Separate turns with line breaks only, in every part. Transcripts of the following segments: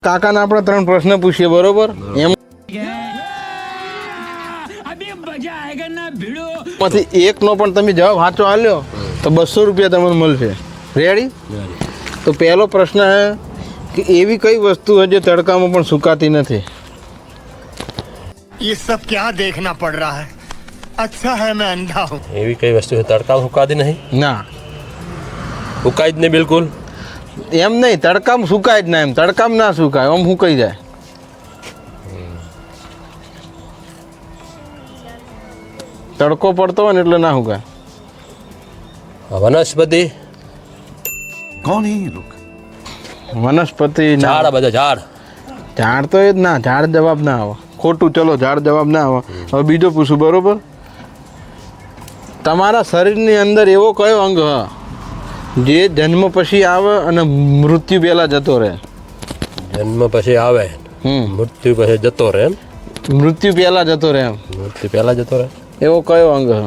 કાકાને આપણે 3 પ્રશ્ન પૂછીએ બરોબર એમ માંથી એકનો પણ તમે જવાબ સાચો આલ્યો તો 200 રૂપિયા તમને મળશે રેડી તો પહેલો પ્રશ્ન છે કે એવી કઈ વસ્તુ છે જે તડકામાં પણ સુકાતી નથી
ये सब क्या देखना पड़ रहा है अच्छा है मैं अंधा हूँ
એવી કઈ વસ્તુ છે તડકામાં સુકાતી નહીં
ના
સુકાય જ નહીં બિલકુલ
એમ નહીં તડકામાં સુકાય જ ના એમ તડકામાં ના સુકાય આમ સુકાઈ જાય તડકો પડતો હોય ને એટલે ના સુકાય
વનસ્પતિ
कौन है ये लोग
વનસ્પતિ ના
ઝાડ આ બધા ઝાડ
ઝાડ તો એ જ ના ઝાડ જવાબ ના આવે ખોટું ચલો ઝાડ જવાબ ના આવે હવે બીજો પૂછું બરોબર તમારા શરીરની અંદર એવો કયો અંગ હ જે જન્મ પછી આવે અને મૃત્યુ પહેલા જતો રહે
જન્મ પછી આવે મૃત્યુ પછી જતો રહે એમ
મૃત્યુ પહેલા જતો રહે એમ
મૃત્યુ પહેલા જતો રહે
એવો કયો અંગ હ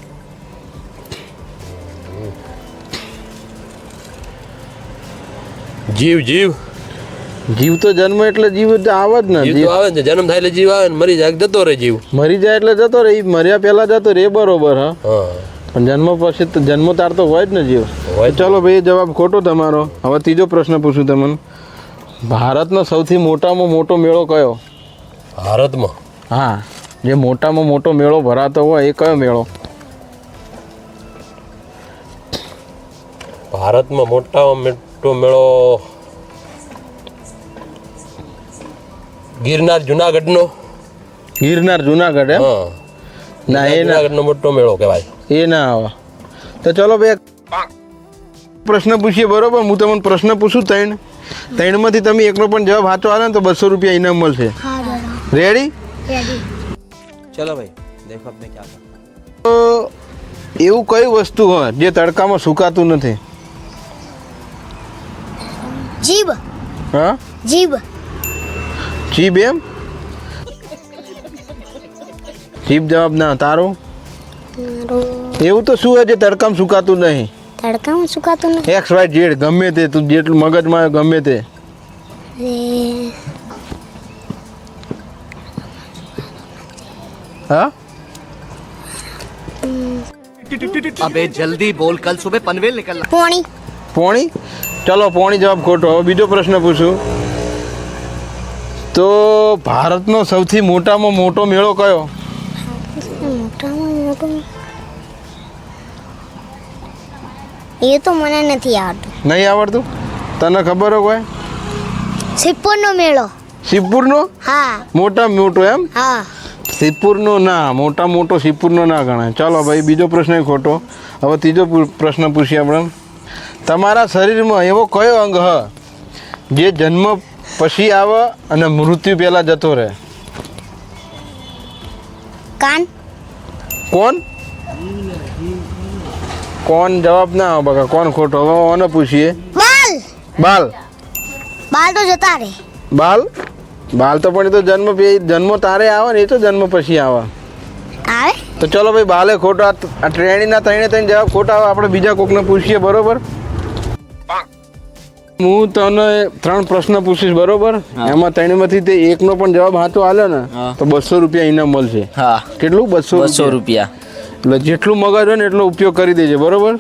જીવ જીવ
જીવ તો જન્મ એટલે જીવ જ આવે જ ને
જીવ તો આવે ને જન્મ થાય એટલે જીવ આવે ને મરી જાય જતો રહે જીવ
મરી જાય એટલે જતો રહે ઈ મર્યા પહેલા જતો રહે એ બરોબર હા
હા
પણ જન્મ પછી તો જન્મ તાર તો હોય જ ને જીવ
હોય.
ચલો ભાઈ જવાબ ખોટો તમારો હવે ત્રીજો પ્રશ્ન પૂછું તમને ભારતનો સૌથી મોટામાં મોટો મેળો કયો
ભારતમાં
હા જે મોટામાં મોટો મેળો ભરાતો હોય એ કયો મેળો
ભારતમાં મોટામાં મોટો મેળો ગિરનાર જુનાગઢનો
ગિરનાર જુનાગઢ એમ
હા
ના એ ના
જુનાગઢનો મોટો મેળો કહેવાય
એ ના આવે તો ચલો ભાઈ પ્રશ્ન પૂછીએ બરોબર હું તમને પ્રશ્ન પૂછું ત્રણમાંથી તમે એકનો પણ જવાબ સાચો આવે ને તો 200 રૂપિયા ઇનામ મળશે રેડી
चलो भाई देखो अब मैं क्या करता
તો એવું કઈ વસ્તુ હોય જે તડકામાં સુકાતું નથી
જીભ
હા
જીભ
જીભ એમ જીભ જવાબ ના તારો એવું તો શું હોય જે તડકામાં સુકાતું નહીં
તડકામાં સુકાતું નથી
એક્સ વાય ઝેડ ગમે તે તું જેટલું મગજમાં આવે ગમે તે હા
अबे जल्दी बोल कल सुबह पनवेल निकलना
પોણી
પોણી ચલો પોણી જવાબ ખોટો હવે બીજો પ્રશ્ન પૂછું તો ભારતનો સૌથી મોટામાં મોટો મેળો કયો
મોટામાં મોટો એ તો મને નથી આવડતું
નહીં આવડતું તને ખબર હોય કોઈ
સિપ્પોરનો મેળો
શિવપુરનો
હા
મોટા મોટો એમ
હા
શિવપુરનો ના મોટા મોટો શિવપુરનો ના ગણાય ચાલો ભાઈ બીજો પ્રશ્ન ખોટો હવે ત્રીજો પ્રશ્ન પૂછીએ આપણે તમારા શરીરમાં એવો કયો અંગ હ જે જન્મ પછી આવે અને મૃત્યુ પહેલાં જતો રહે
કાન
કોણ કોણ જવાબ ના આવે બકા કોણ ખોટો હવે ઓને પૂછીએ
બાલ
બાલ
બાલ તો જતા રે
બાલ બાલ તો પણ એ તો જન્મ તારે આવે ને એ તો જન્મ પછી આવે
આવે
તો ચલો ભાઈ બાલે ખોટો આ ટ્રેણીના ત્રણે જવાબ ખોટા આવે આપણે બીજા કોકને પૂછીએ બરોબર હું તને 3 પ્રશ્ન પૂછીશ બરોબર એમાં ત્રણમાંથી તે એકનો પણ જવાબ સાચો આલ્યો ને તો 200 રૂપિયા ઇનામ મળશે
हाँ
કેટલું 200
200 रुपया
એટલે જેટલું મગજ હોય ને એટલો ઉપયોગ કરી દેજે બરોબર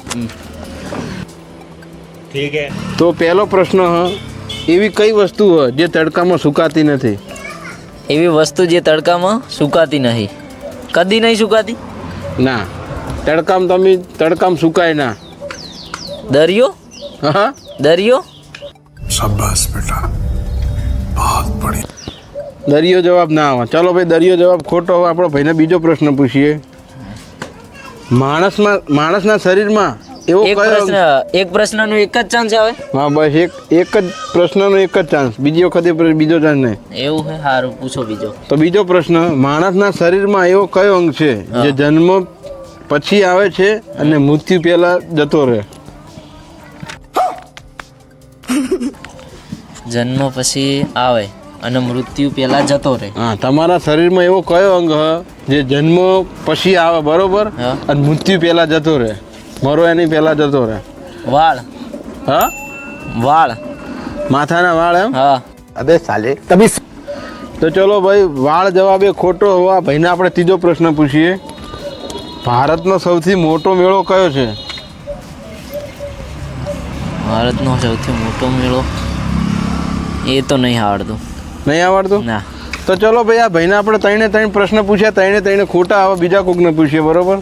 ठीक है
તો પહેલો પ્રશ્ન એવી કઈ વસ્તુ હોય જે તડકામાં સુકાતી નથી
એવી વસ્તુ જે તડકામાં સુકાતી નહીં કદી નહીં સુકાતી
ના તડકામાં સુકાય ના
દરિયો
હા
દરિયો
शाबाश बेटा बहुत बढ़िया
દરિયો જવાબ ના આવે ચાલો ભાઈ દરિયો જવાબ ખોટો હવે આપણો ભાઈને બીજો પ્રશ્ન પૂછીએ માણસના શરીરમાં એવો
એક પ્રશ્નનો એક જ ચાન્સ આવે
હા બસ એક જ પ્રશ્નનો એક જ ચાન્સ બીજી વખતે બીજો ચાન્સ નહીં
એવું છે સારું પૂછો બીજો
તો બીજો પ્રશ્ન માણસના શરીરમાં એવો કયો અંગ છે જે જન્મ પછી આવે છે અને મૃત્યુ પહેલા જતો રહે
જન્મ પછી આવે અને મૃત્યુ પહેલા જતો રહે
હા તમારા શરીરમાં એવો કયો અંગ હ જે જન્મ પછી આવે બરોબર
હા.
અને મૃત્યુ પહેલા જતો રહે મરો એની પહેલા જતો રહે
વાળ
હા
વાળ
માથાના વાળ એમ
હા
अबे साले तभी
તો ચલો ભાઈ વાળ જવાબ એ ખોટો હોવા ભાઈને આપણે ત્રીજો પ્રશ્ન પૂછીએ. ભારતનો સૌથી મોટો મેળો કયો છે?
ભારતનો સૌથી મોટો મેળો એ તો નહીં આવડતું.
નહીં આવડતું?
ના.
તો ચલો ભાઈ આ ભાઈને આપણે ત્રણે પ્રશ્ન પૂછ્યા, ત્રણે ખોટા. હવે બીજા કોકને પૂછીએ, બરોબર?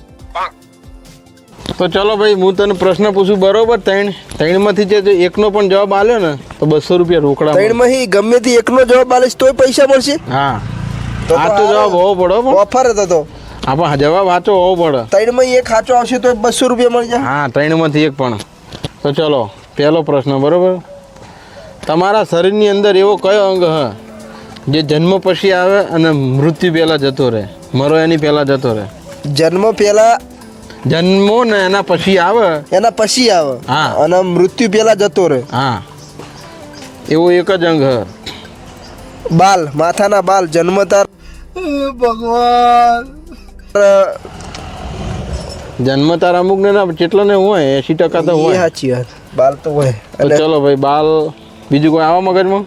તો ચલો ભાઈ હું તને પ્રશ્ન પૂછું, બરોબર? ત્રણમાંથી જે એકનો પણ જવાબ આલ્યો ને તો 200 રૂપિયા રોકડા મળે.
ત્રણમાંથી ગમે તે એકનો જવાબ આલીશ તોય પૈસા મળશે?
હા, આ તો જવાબ હોવો પડે હો.
ઓફર હતો તો
આપણે જવાબ સાચો હોવો પડે.
ત્રણમાં એક સાચો આવશે તો 200 રૂપિયા મળી જાય.
હા, ત્રણમાંથી એક પણ. તો ચલો પહેલો પ્રશ્ન, બરોબર? તમારા શરીરની અંદર એવો કયો અંગ હ જે જન્મ પછી આવે અને મૃત્યુ પહેલાં જતો રહે, મરો એની પહેલાં જતો રહે?
જન્મ પહેલા
જન્મો ને એના પછી આવે,
એના પછી આવે
હા.
અને મૃત્યુ પહેલા જતો રહે.
હા, એવો એક જ અંગ હ.
બાલ, માથાના બાલ જન્મતા ભગવાન
જન્મતાર અમુક ને ના કેટલા ને હોય 80% તો
એ
હોય.
સાચી વાત, બાલ તો હોય.
તો ચલો ભાઈ બાલ. બીજું કોઈ આવા મગજમાં?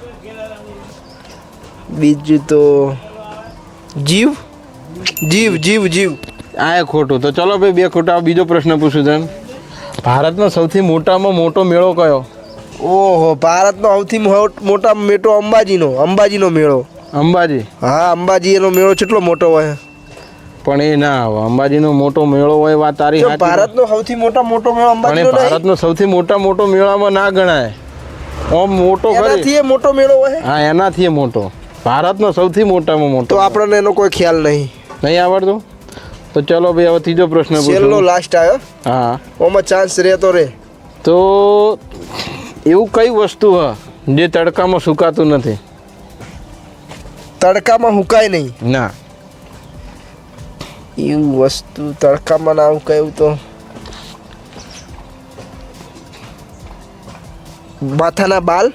બીજું તો જીવ જીવ જીવ જીવ
આ એ ખોટું. તો ચલો ભાઈ 2 ખોટા. બીજો પ્રશ્ન પૂછું તને. ભારતનો સૌથી મોટામાં મોટો મેળો કયો?
ઓહો, ભારતનો સૌથી મોટા મેળો અંબાજીનો મેળો.
અંબાજી?
હા, અંબાજી એનો મેળો કેટલો મોટો હોય.
પણ એ ના આવે. અંબાજીનો મોટો મેળો હોય, વાત તારી
જો
સાચી.
ભારતનો સૌથી મોટો મેળો
પણ એ
અંબાજીનો નહીં.
ભારતનો સૌથી મોટો મેળામાં ના ગણાય. ઓમ મોટો
એનાથી
ખરી.
એ મોટો મેળો હોય.
હા, એનાથી એ મોટો. ભારતનો સૌથી મોટામાં મોટો.
તો આપણને એનો કોઈ ખ્યાલ નહીં.
નહીં આવડતું? તો ચલો ભાઈ હવે ત્રીજો પ્રશ્ન
છેલ્લો
પૂછો.
લાસ્ટ આવ્યો.
હા,
ઓમાં ચાન્સ રહેતો રે.
તો એવું કઈ વસ્તુ હ જે તડકામાં સુકાતું નથી?
તડકામાં હુકાય નહીં.
ના.
એવું વસ્તુ તડકામાં ના હુકાય એવું તો માથાના બાલ.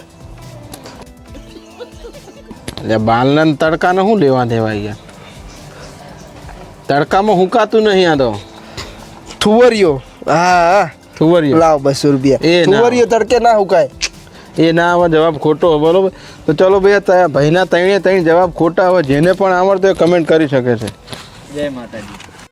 એટલે બાલના ને તડકાને શું લેવા દેવા યાર? તડકામાં હુકાતું નહીં. આ તો
થુવરિયો. હા,
થુવરિયો.
લાવ 200 રૂપિયા.
એ ના.
થુવરિયો તડકે ના હુકાય.
એ ના આવે, જવાબ ખોટો. બરોબર. તો ચલો ભાઈ ભાઈના ત્રણે જવાબ ખોટા. હવે જેને પણ આવડતો એ કમેન્ટ કરી શકે છે.
જય માતાજી.